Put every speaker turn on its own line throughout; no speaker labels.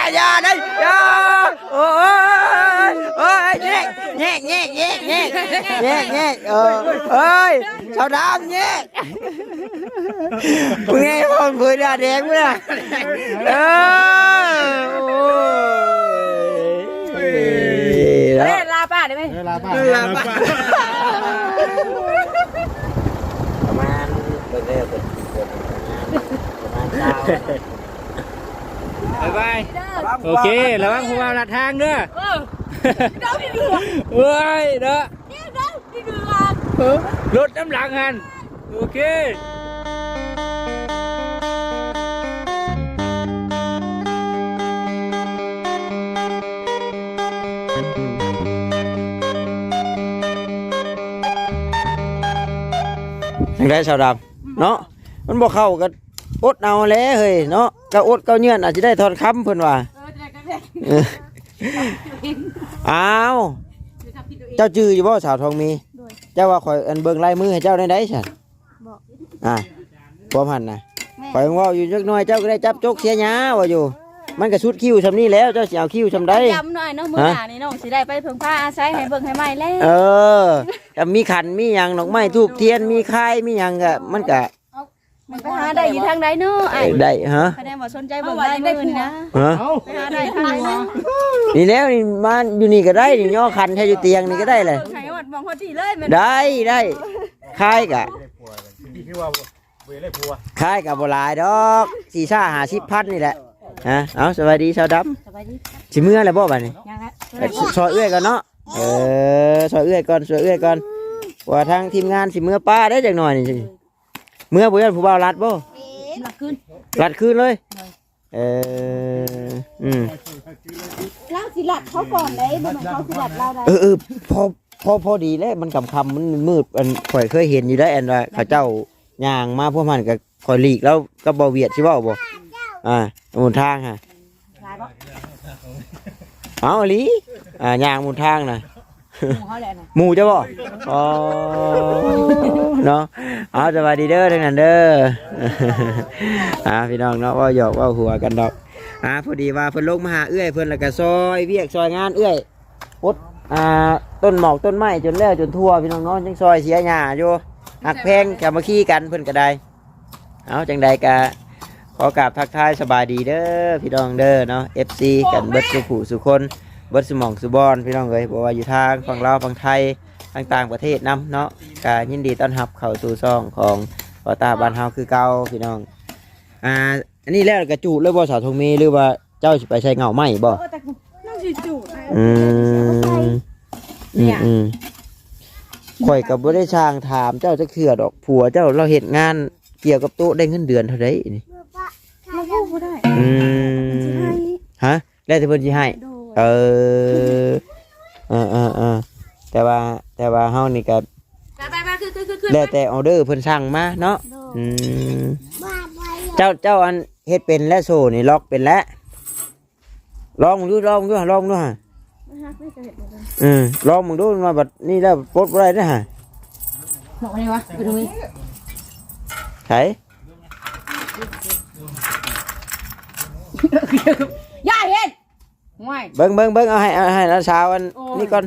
อย่าได้อย่าโอ้ยโอ้ยแง่เอ้ยชาวดำแง่มึงไงพ่อเพื่อนแดงมึงน่ะ
ลาป้าได้ไหม
ลาป้าประมาณเปิดประมาณบายโอเคระวังผู้ว่าลัดทางเด้อ
เด้อพี่เดือ
เฮ้ยเด้อ
พี่เดือ
รถน้ำหลังหันโอเคยังได้ชาวดำเนาะมันบอกเข้ากันอดเอาแล้วเฮ้ยเนาะก็อดก็เงื่อนอาจจะได้ทอนคำเพิ่นว่าอ้าวเจ้าจื้ออยู่บ่สาวทองมีเจ้าว่าข่อยอันเบิ่งลายมือให้เจ้าได้ฉันบ่พันนะข่อยว่าอยู่จักหน่อยเจ้าก็ได้จับจกเสียหญ้าว่าอยู่มันก็สุดคิ้วซำนี้แล้วเจ้าสิเอาคิ้วซำใด
จำหน่อยเนาะมื้อหน้านี่น้องสิได้ไปเพิ่งพาอาศัยให้เบิ่งให้ใหม่แล้ว
มีขันมีหยังดอกไม้ธูปเทียนมีค่ายมีหยังก็มันก็
ไปหาได้อยู่ทางใดเนาะ
ได้ฮะ
คะแนนบ่สนใจเบิ่งได้มื้อนี่นะไปหาได้ทางไหน
นี่แล้วนี่มาอยู่นี่ก็ได้นี่ย่อคันแค่อยู่เตียงนี่ก็ได้เลย
ให้ฮอดมองฮอดที่เลย
ได้ค่ายก็ค่ายก็บ่หลายดอก4-50,000นี่แหละฮะเอาสวัสดีชาวดำ
สวัสดี
สิเมื่อแล้วบ่บัดนี้ซอยเอื้อยก่อนเนาะซอยเอื้อยก่อนว่าทางทีมงานสิเมื่อป้าได้จักหน่อยนี่เมื่อบ่ยันผู้บ่าวรัดบ่
รัดคืน
เลย
เราสิรัดเขาก่อนเลยบ่แม่นเขาสิรัดเราได้
พอดีแล้วมันค่ำมันมืดอันข่อยเคยเห็นอยู่ได้อันว่าเขาเจ้าย่างมาพวกมันก็ข่อยหลีกแล้วก็บ่เวียดสิเว้าบ่หมุนทางฮะเอาอีหลีย่างหมุนทางน่ะหมู่จ้ะบ่อ๋อเนาะเอาสวัสดีเด้อทั้งนั้นเด้อพี่น้องเนาะว่าหยอกว่าหัวกันดอกพอดีว่าเพิ่นลงมาหาเอื้อยเพิ่นแล้วก็ซอยเวียกซอยงานเอื้อยปดต้นหมอกต้นไม้จนแล้วจนทั่วพี่น้องเนาะจังซอยเสียหญ้าอยู่หักแพงกลับมาขี้กันเพิ่นก็ได้เอาจังใดก็ขอกราบทักทายสบายดีเด้อพี่น้องเด้อเนาะ FC กันเบิดสุผู้สุคนเบิดสมองสุบอนพี่น้องเอ้ยบอกว่าอยู่ทางฝั่งลาวฝั่งไทยต่างประเทศนำเนาะก็ยินดีต้อนรับเข้าสู่ช่องของปอตาบ้านเฮาคือเก่าพี่น้องอันนี้แล้วกระจุเลยบ่สาวทงมีหรือว่าเจ้าสิไปใช้เงาไม้บ่
น้องสิจุ
ข่อยก็บ่ได้ช่างถามเจ้าจักเทื่อดอกผัวเจ้าเราเฮ็ดงานเกี่ยวกับโต๊ะได้เงินเดือนเท่าใดนี่
เราพูดบ่ได้
ฮะแล้วแต่เพิ่นสิให้แต่ว่าเฮานี่ก็แล้วแต่ออเดอร์เพิ่นสั่งมาเนาะเจ้าอันเฮ็ดเป็นและโซ่นี่ล็อกเป็นแล้วลองดูฮะลองมึงดูมาบัดนี้แล้วปลดบ่ได้นะฮะ
บอกอะไรวะไปดูนี่
ไผ
ย่าเฮ็ดง่าย
เบิ่งเอาให้น้าสาวอันนี้ก่อน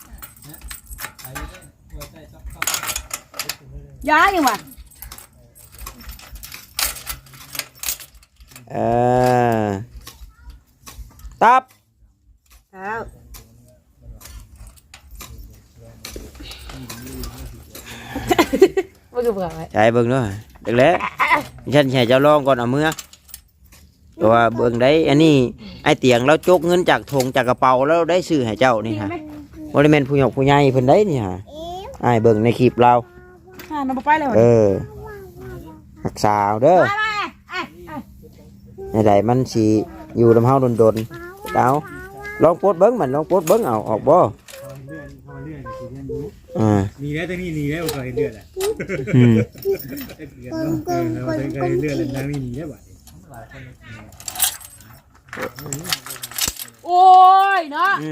ย่ายังวะ
ตับใช่เบิ่งด้วยเด็กแล้วฉันแค่เจ้าลองก่อนเอามือตัวเบิ่งได้อันนี้ไอเตียงเราจกเงินจากถงจากกระเป๋าแล้วได้ซื้อให้เจ้านี่ฮะบริเวณผู้หญิงผู้ใหญ่เพิ่นได้นี่ฮะไอเบิ่งในคลิปเราหักสาวเด้อในใดมันสีอยู่ลำเฮาโดนเอาลองโพสเบิ้งมันลองโพสเบิ้งเอาออกบ่
นี่แล้วตรงนี้นี่แล้วก็เห็นเลือดอ่ะเลือดแล้วนี่นี่แล้วบ่
โอ้ยเนาะ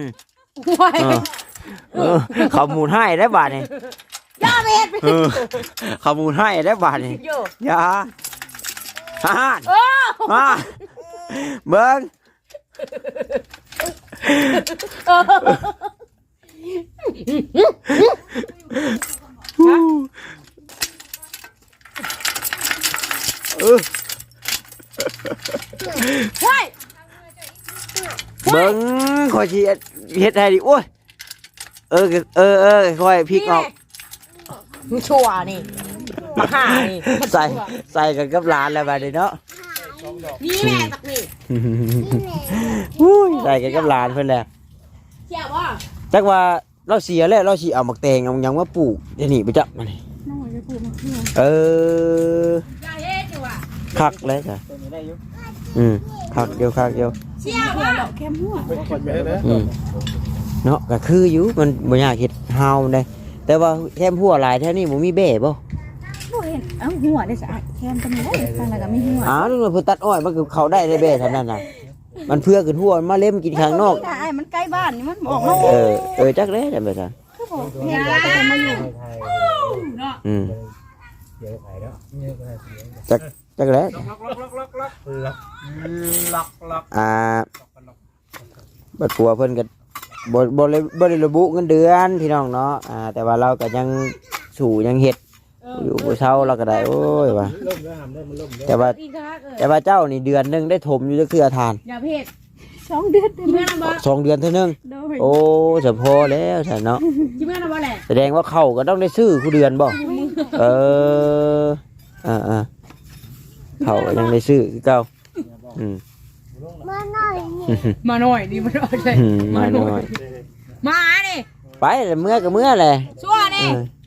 เขามูลให้ได้บาทนี่
ย่าเบ็ด
เขามูลให้ได้บาทนี่ย่าฮ่ามาเบิ้งเบิ้งคอยชีเฮ็ดให้ดิโอ้ยค่อยพลิกออก
ชั่วนี่มาหานี่
ใส่กันกับหลานแล้วบัดนี้เนาะ
นี่แม่ตักนี่
ใส่กันกับหลานเพิ่นแหละ
เชี่ยว่า
จักว่าเราเสียแล้วเราสิเอาหมักแตงเอาหยังมาปลูกเดี๋ยวนี้ไปจับมานี่
น้องจะปลูกมะเขือ
เออ
อย่าเฮ็ดอยู่อ่ะ
คักเลยจ้ะคักเดียว
เชี่ย
เขือ
ว่า
ดอกแคมหัว
เนาะก็คืออยู่มันบ่ยากเฮ็ดเฮาได้แต่ว่าแคมหัวหลายแท้นี่บ่มีแบ่บ่
บ่เห็นเอ้าหัวได้สะอาดแคมก็มีได้ทางไหนก็มีหัว
อ้าวนึกว่าเพิ่นตัดอ้อยมันก็เข้าได้แบ่เท่านั้นน่ะมันเพื่อขึ้นหัวมันมาเล่มกินข้างนอก
ถ้าไอ้มันใกล้บ้านนี่มันบอกมา
จักเลยจังได๋ซะ
คือบอกเห็นแล้วก็มาอยู่
อืม
เดี๋ยวขายแล้วเนี่ยก็ได้
จักเลย
ล็อก
บัดปัวเพิ่นก็บ่ได้ระบุเงินเดือนพี่น้องเนาะแต่ว่าเราก็ยังสู่ยังเฮ็ดอยู่บ่เช้าเราก็ได้โอ้ยว่า
ล่มแล้วหามได้มันล่มแล้ว
แต่ว่า
อีกครั้ง
แต่ว่าเจ้านี่เดือนหนึงได้ถมอยู่จักเทื่อทาน
อย่าเพศ
2 เดือน
เมื่อนะบ่
2 เดือนเท่านึง
โดย
โอ้จะพอแล้วท่านเนาะ
จิเมื่อนะบ่แหละ
แสดงว่าเข้าก็ต้องได้ซื้อผู้เดือนบ่เออเข้าก็ยังได้ซื้อคือเก่าอืม
มาหน่อยนี่มาหน่อยเลย
มาหน่อย
มาดิ
ไปแล้วเมื่อก็เมื่อแหละ
ชั่วนี่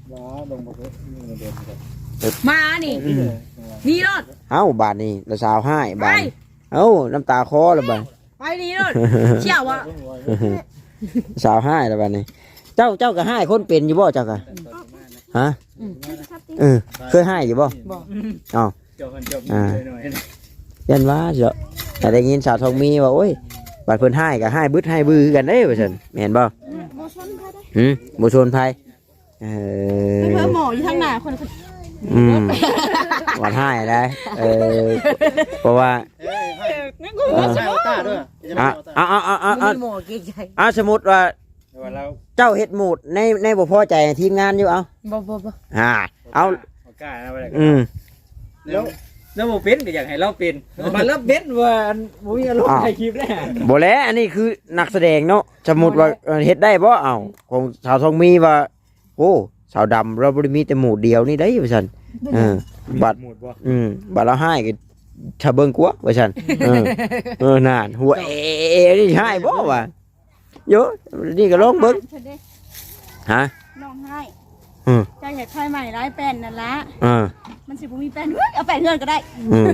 มานี่นี่รถ
เอ้าบาดนี้ละสาวให้บาดเอ้าน้ำตาคอแล้วบาด
ไปนี่รถเชี่ยวว่ะ
สาวให้แล้วบาดนี้เจ้าก็ให้คนเป็นอยู่บ่เจ้าก็ฮะเคยให้อยู่บ่อ๋อ
จบหน่อย
ยันว่าเจ้าแต่ได้ยินสาวทองมีว่าโอ้ยบาดเพิ่นให้ก็ให้บึดให้บือกันเด้ว่าซั่นแม่นบ่
บ่ชนใครได้
บ่ชนภัย
เพิ่มหมออยู่ทางหน้าคน
หวานให้ได้เพราะว่า
ใช่ต้าด้วย
มีหมอเก่งใจ
สมมุติว่า
เรา
เจ้าเฮ็ดหมูดในบ่พอใจทีมงานอยู่เอา
บ่
เอา
กล้านะว่า
แล้วโมเป็นก็อยากให้เราเป็นมันแล้วเป็นว่าบ่มีอารมณ์ถ่ายคลิปได้
บ่แล้วอันนี้คือนักแสดงเนาะสมมุติว่าเฮ็ดได้บ่เอาของสาวทองมีว่าโอ้สาวดำเราบ่ได้มีแต่หมูดเดียวนี่ได้ว่าซั่นบัด
หมดบ่
บัดเราให้ก็ถ้าเบิ่งกว่าว่าซั่นนั่นหัวนี่ให้บ่วะโยนี่ก็ลองเบิ่งฮะ
น้องให้ใจเห็ดไข่ใหม่ร้ายแป้นนั่นละมันสิบ่มีแป้นเอาแป้นเพื่อนก็ได้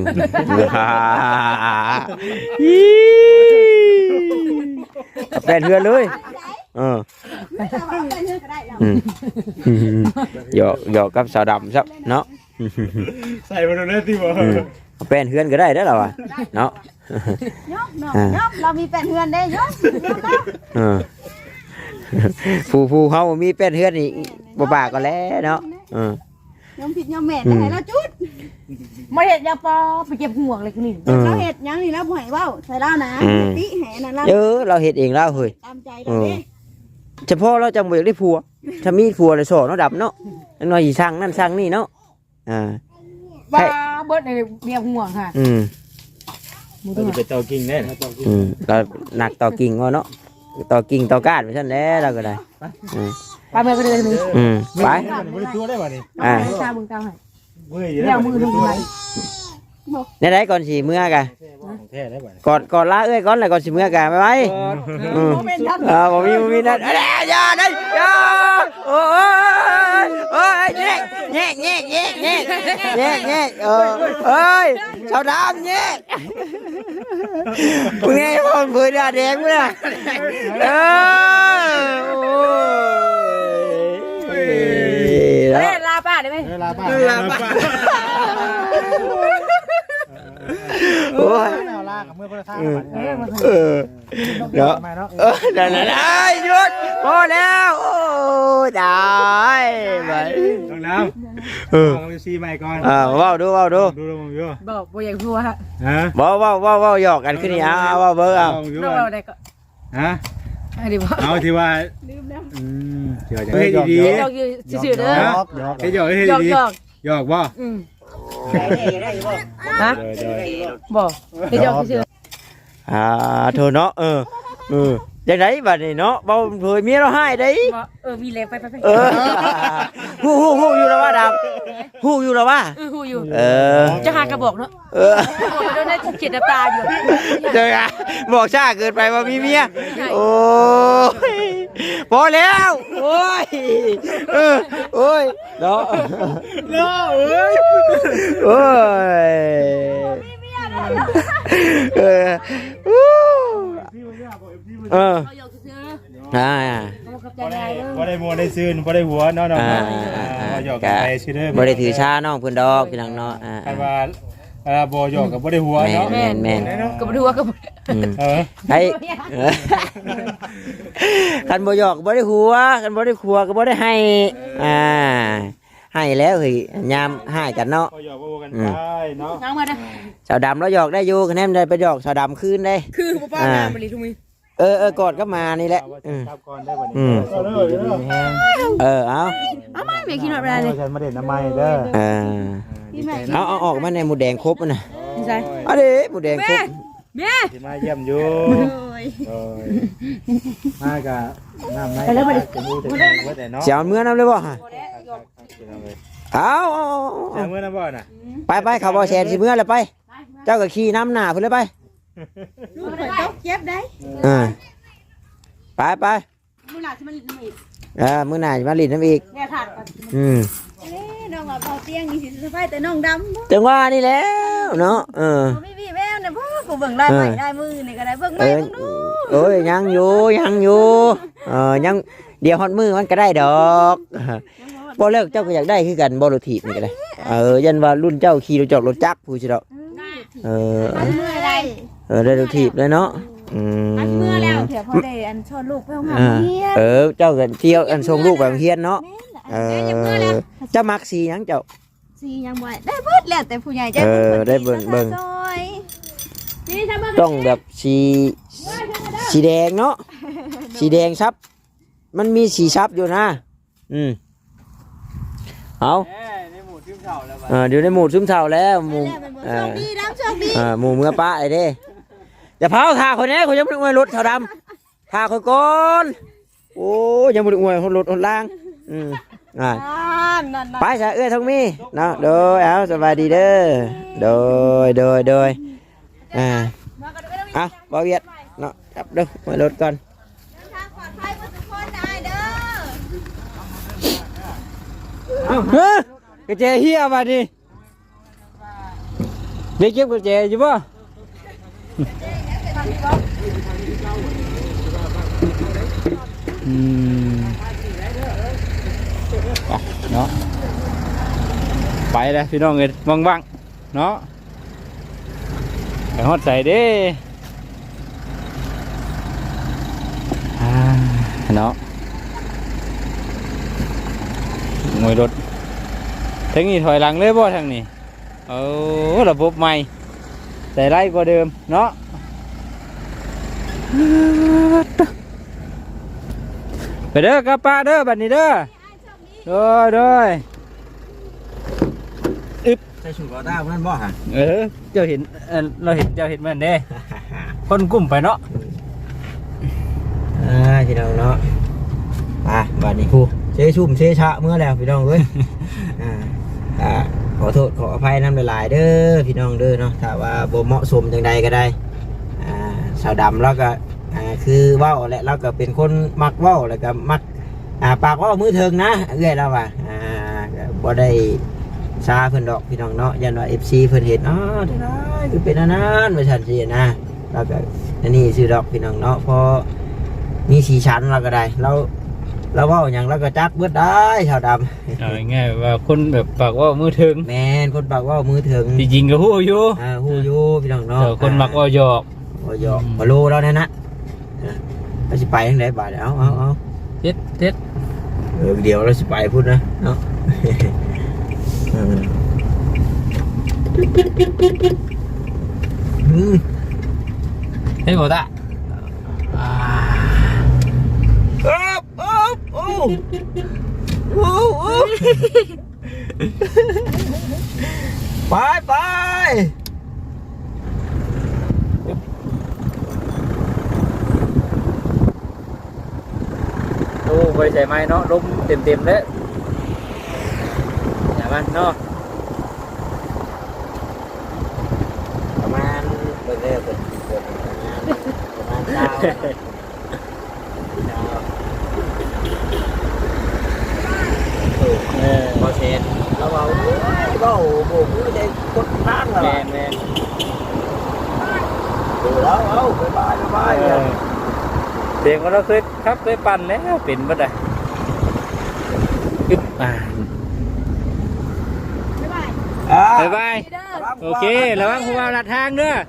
แป้นเฮือนเลยหยอกกับสาวดำซับเนาะ
ใส่มาโดนได้ที่บ่
แป้นเฮือนก็ได้ได้แล้ววะเนาะ
ยกเรามีแป้นเพื่อนได้ยก
ผู้เขามีแป้นเฮือนนี่บ่ปากก็แล้วเนาะ
ยอมผิดยอมแม่ได้แล้วจุด
ไม่เห็ดยาปอไปเก็บห่วงเลยกูนี่
เราเห็ดยังนี่แล้วบ่ให้เว้าใส่เล่านะติแห่นั่นล่ะ
เราเฮ็ดเองแล้วเฮ้ย
ตามใจเราเด้
เฉพาะเราจังบ่อยากได้ผัวถ้ามีผัวเลยสอนเนาะดับเนาะน้อยสิสร้างนั่นสร้างนี่เนาะ
บ้าเบิดในเมียห่วงค่ะ
เราจะไปเตากิ่งแน่
เราหนักต่อกิ่งว่าเนาะต่อกิ่งต่อก้านไปซั่นแหละเราก็ได้
ไปเมื่อก็เลยนี่
ไป
ไม่ได้ตัวได้บ่นี่
ตามึงตาให้
มือ
เดี๋ยวมือลงไป
ในไหนก่อนสิเมื่อกะ
แท้ได้บ่
ก่อนลาเอ้ยก่อนแล้วก่อนสิเมื่อกะไปไปบ่มีนั่นอย่าได้อย่าโอ้ยแง่เอ้ยชาวดำแง่มึงไงพ่อเผยดาแดงมั้ย
ลาป้าได้ไหม
ลาป้า
โอ้ย
างกับเมื่อคนละทาง
เนาะ
มาเนาะ
ได้หยุดพอแล้วโอ้ได้ไป
ต้องน้ำต้องซีใหม่ก่อน
ว้าวดู
ดูลงอยู่
บอกบ่อยากหัวฮะ
ฮะ
ว้าวหยอกกันขึ้นนี่ว้าวเบิ้งเอา
เราได้ก็
ฮะ
อันนี้บ่
เอาที่ว่า
ลืมแล้ว
เดี๋ยวจะให้ดี
หยอกอยู่ซื่อๆเด้อ
ๆให้หยอกให้
หยอก
ดี
หยอก
ๆหยอกบ่
ฮะบ่ให้หยอกซื่อ
เธอเนาะอย่างไรบัดนี้เนาะเบาเผยเมียเราให้ได้
บ่มีแรงไป
ฮู้อยู่แล้วว่าดำฮู้อยู่แล้วว่า
ฮู้อยู่
จะ
จะหากระบอกเนาะบอกโดนได้เขียนน้ำตาอยู่
เจออะบอกช้าเกินไปว่ามีเมียโอ้ยพอแล้วโอ้ยเนาะโอ้ย
เขาหยอกซื่อ
พอได้มัวได้ซื่นพอได้หัวเนาะหยอกไปซื่อเด้อ
บ่ได้ถือชาน้องเพิ่นดอกพี่น้องเนาะ
คันว่าบ่หยอกกับบ่ได้หัวเนาะ
แม่น
ก็บ่รู้ว่าก็
ไอ้คันบ่หยอกบ่ได้หัวคันบ่ได้ขัวก็บ่ได้ให้ให้แล้วเฮ้ยยามให้กันเนาะ
หยอกกันไปเนาะ
น้องมานะ
สาวดำแล้วหยอกได้อยู่คะแนนได้ไปหยอกสาวดำคืนได้
คือบ่ป้าน้ำบ่ลีทุกมื้อ
กอดก็มานี่แหละ
จับก่อนได้บ่นี่
เอา
เอามาแม่กินหน่อยบ่ได้เลย
ฉันมาเด็ดน้ำไม้เด้อ
เอาออกมาในหมูแดงครบนะ
ใช่
เอาดิหมูแดงครบ
แม่
สิมาเยี่ยมอยู่มากะน้ำไม้จะมูแต่เนาะ
เสียเมื่อน้ำเลยบ่ฮะเอา
เมื่อน้ำบ่น่ะ
ไปเขาบ่แชร์สิเมื่อเลยไป เจ้าก็ขี่น้ำหน้าเพิ่นเลยไป
ลูกข่อยต้องเจ็บได้
ไป
มื้อหน้าสิมาลิ้นอีก
มื้อหน้าจะมาลิ้นน้ำอีก
แม่ถาดก่อน น้องว่าพอเตียงนี่สิสบายแต่น้องดำ
จังว่านี่แล้วเนาะ
พี่แม่เนี่ยพ่อกูเบิ่งลายใหม่ลายมือนี่ก็ได้เบิ่งใหม่เบิ่งดู
โอ้ยยังอยู่ยังเดี๋ยวฮอดมือมันก็ได้ดอกบ่เลิกเจ้าก็อยากได้คือกันบ่รถถีบนี่ก็ได้ยันว่ารุ่นเจ้าขี่รถจอกรถจักรผู้สิดอก
เมื่อไร
ได้รถถีบเลยเนาะ
เมื่อแล้วเดี๋ยวพอได้อันชอนลูกไปห้องน้ำเฮีย
เจ้ากันเที่ยวอันส่งลูกไปโรงเรียนเนาะเจ้ามักสีหยังเจ้า
สียังบ่ได้เบิดแล้วแต่ผู้ใหญ่ใจ
ได้เบิ่งต้องแบบสีแดงเนาะสีแดงซับมันมีสีซับอยู่นะเอาเดี๋ยวในหมู่ซึมเท่าแล้วหมู่หมู่เมื่อป้าไอ้เด้อย่าเผาทาคนนี้เขายังไม่ได้อวยรถเท่าดำทาคนก่อนโอ้ยังไม่ได้อวยรถคนล่างไปซะทั้งมีเนาะโดยเอาสบายดีเด้อโดยบ่เวียดเนาะจับเด้อมารถก่อนกระเจเฮียมาดิเด็กเก็บกระเจอยู่ป่ะเนาะไปเลยพี่น้องเอ้ยว่างๆเนาะไปฮอดใส่เด้เนาะงวยรถทั้งนี้ถอยหลังเลยบ่ทางนี้ระบบใหม่แต่ไล่กว่าเดิมเนาะไปเด้อกระป้าเด้อบัดนี้เด้อโดยใส่ชุดกอต้าเพื่อนบ่ฮะเจ้าเห็นเราเห็นเจ้าเห็นมันเด้คนกลุ่มไปเนาะพี่น้องเนาะบัดนี้ครูเชชุ่มเชชะเมื่อแล้วพี่น้องเว้ยขอโทษขออภัยน้ำหลายๆเด้อพี่น้องเด้อเนาะถ้าว่าบ่เหมาะสมจังใดก็ได้สาวดำแล้วก็คือว่าวแหละเราก็เป็นคนมักว่าวแล้วก็มักปากว่าวมือเทิงนะเอื้อยแล้วว่าบ่ได้ซาเพิ่นดอกพี่น้องเนาะยันว่า FC เพิ่นเห็นได้คือเป็นอันนั้นว่าซั่นสินะแล้วก็อันนี้ซื้อดอกพี่น้องเนาะพอมีสีชั้นเราก็ได้เราแล้วเว้าหยังแล้วก็จักเบิดได้ชาวดำ
เอาง่ายๆว่าคนแบบปากว่ามือถึง
แม่นคนปากเว่ามือถึง
จริงๆก็ฮู้อยู่
ฮู้อยู่พี่น้องเนาะ
แต่คนมักว่าหยอก
บ่หยอกบ่รู้แล้วนะเราสิไปทางไหนบาดเอา
เจ็ด
เดี๋ยวเราสิไปพูดนะเนาะ
เฮ้ยบ่ตา
ไป
โอ้ไปใส่ไม้เนาะลมเต็มเลยอย่ามันเนาะ
ประมาณเปิดประมาณดาวพอเช็ดแล้วเอาโอ้โหได้กดน้ำแล้ว
แม่น
ดูแล้วเอาบาย
เสียงของเราเคยปั่นแล้วเป็นบ่ได้อึ๊บบ๊ายบายโอเคระวังหัวลัดทางเด้อ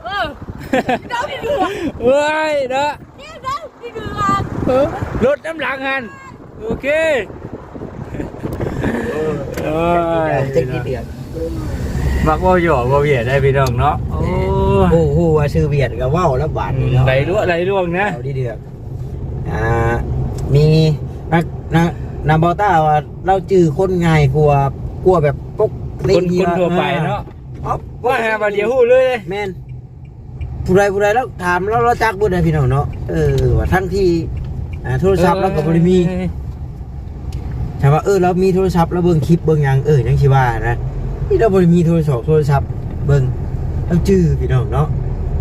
เอ้ยเด้อรถน้ำหลังหันโอเค
เจ็ดกี่เดือน
มักว่าหยอกว่าเบียดได้พี่น้องเนาะโอ้
ว่าชื่อเบียดกับว่าวแล้วบาทนี่เนาะ
ไหลล่วงนะ
เอาดีเดือดมีนาบอต้าว่าเราจื้อคนง่ายกลัวแบบปก
คนทั่วไปเนาะว่าหาบาเดียวหู้เลย
แม่นผู้ใดแล้วถามเราจักบุญนะพี่น้องเนาะว่าทั้งที่โทรศัพท์แล้วก็บริมีถามว่าเรามีโทรศัพท์แล้วเบิ่งคลิปเบิ่งยังยังชิว่านะนี่เราบริมีโทรศัพท์เบิ่งเราจื้อพี่น้องเนาะ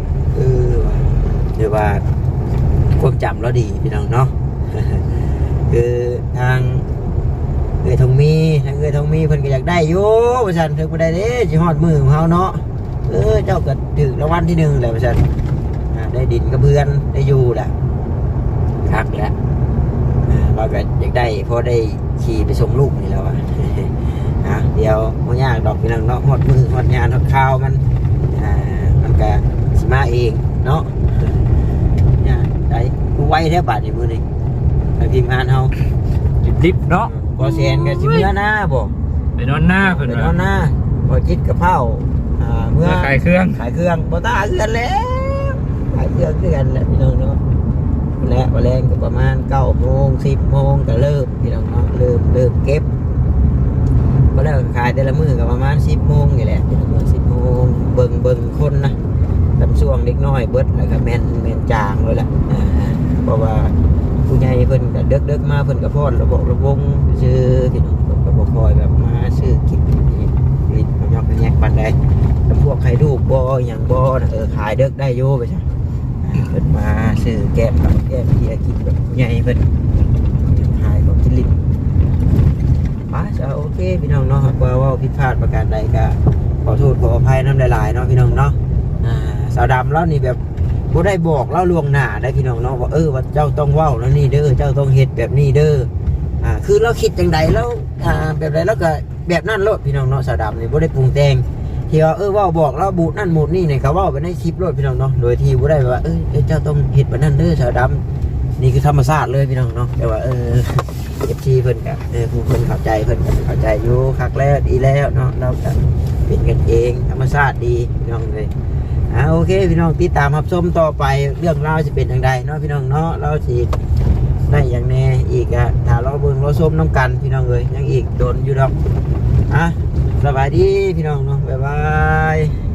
เดี๋ยวว่าความจำเราดีพี่น้องเนาะ คือทางทองมีเพิ่นก็อยากได้อยู่ว่าซั่นถึงบ่ได้เด้สิฮอดมือของเฮาเนาะเจ้าก็ถึงรางวัลที่1แล้วว่าซั่นได้ดินกับเพื่อนได้อยู่แหละคักแล้วเราก็อยากได้พอได้ขี่ไปส่งลูกนี่แล้วอ่ะ เดี๋ยวบ่ยากดอกพี่น้องเนาะฮอดมือฮอดงานฮอดข่าวมันก็สิมาเองเนาะเนี่ยได้กูไว้แท้บาดนี้มื้อนี้ทางทีมงานเฮา
ลิฟเนาะ
บ่แซนก็สิเมื่อหน้าบ่
ไปนอนหน้าเพิ่น
ไปนอนหน้าบ่จิตกับเผาเมื่อ
ขายเครื่อง
บ่ตาเอื้อนแล้วขายเครื่องคือกันแหละพี่น้องเนาะและบ่แรงก็ประมาณ 9 โมง 10 โมงก็เริ่มพี่น้องเนาะเริ่มเก็บบ่แล้วขายแต่ละมื้อก็ประมาณ 10 โมงนี่แหละพี่น้อง 10 โมงเบิ่งคนนะลำช่วงเล็กน้อยเบิดแล้วก็แม่นจางเลยแหละเพราะว่าผู้ใหญ่เพิ่นก็เด็กมาเพิ่นก็พอดระบบระวงชื่อพี่น้องเพิ่นก็บ่คอยแบบมาซื้อกินนี่มันยอกแยกปานใดแต่พวกไข่ลูกบ่หยังบ่น่ะขายเด็กได้อยู่ไปซะเพิ่นมาซื้อแก้มกับแก้มเบียร์กินแบบผู้ใหญ่เพิ่นขายของกินลิ้นโอเคพี่น้องเนาะว่าผิดพลาดประการใดก็ขอโทษขออภัยน้ำหลายๆเนาะพี่น้องเนาะสาวดำแล้วนี่แบบบ่ได้บอกเล่าล่วงหน้าได้พี่น้องเนาะว่าว่าเจ้าต้องเว้าแล้วนี่เด้อเจ้าต้องเฮ็ดแบบนี้เด้อคือเราคิดจังใดแล้วแบบใดแล้วก็แบบนั้นโลดพี่น้องเนาะสาวดำนี่บ่ได้ปรุงแต่งที่ว่าเว้าบอกเราบูดนั่นบูดนี่เนี่ยเขาเว้าไปในคลิปโลดพี่น้องเนาะโดยที่บ่ได้ว่าเจ้าต้องเฮ็ดแบบนั้นเด้อสาวดำนี่คือธรรมชาติเลยพี่น้องเนาะแต่ว่าFC เพิ่นก็ผู้เพิ่นเข้าใจเพิ่นก็เข้าใจอยู่คักแล้วดีแล้วเนาะเราก็เป็นกันเองธรรมชาติดีพี่น้องเลยโอเคพี่น้องติดตามรับชมต่อไปเรื่องราวจะเป็นอย่างไรเนาะพี่น้องเนาะเราสิได้อย่างแน่อีกถ้าเราเบิ่งเราชมน้ำกันพี่น้องเลยยังอีกโดนอยู่ดอกสบายดีพี่น้องเนาะบ๊ายบาย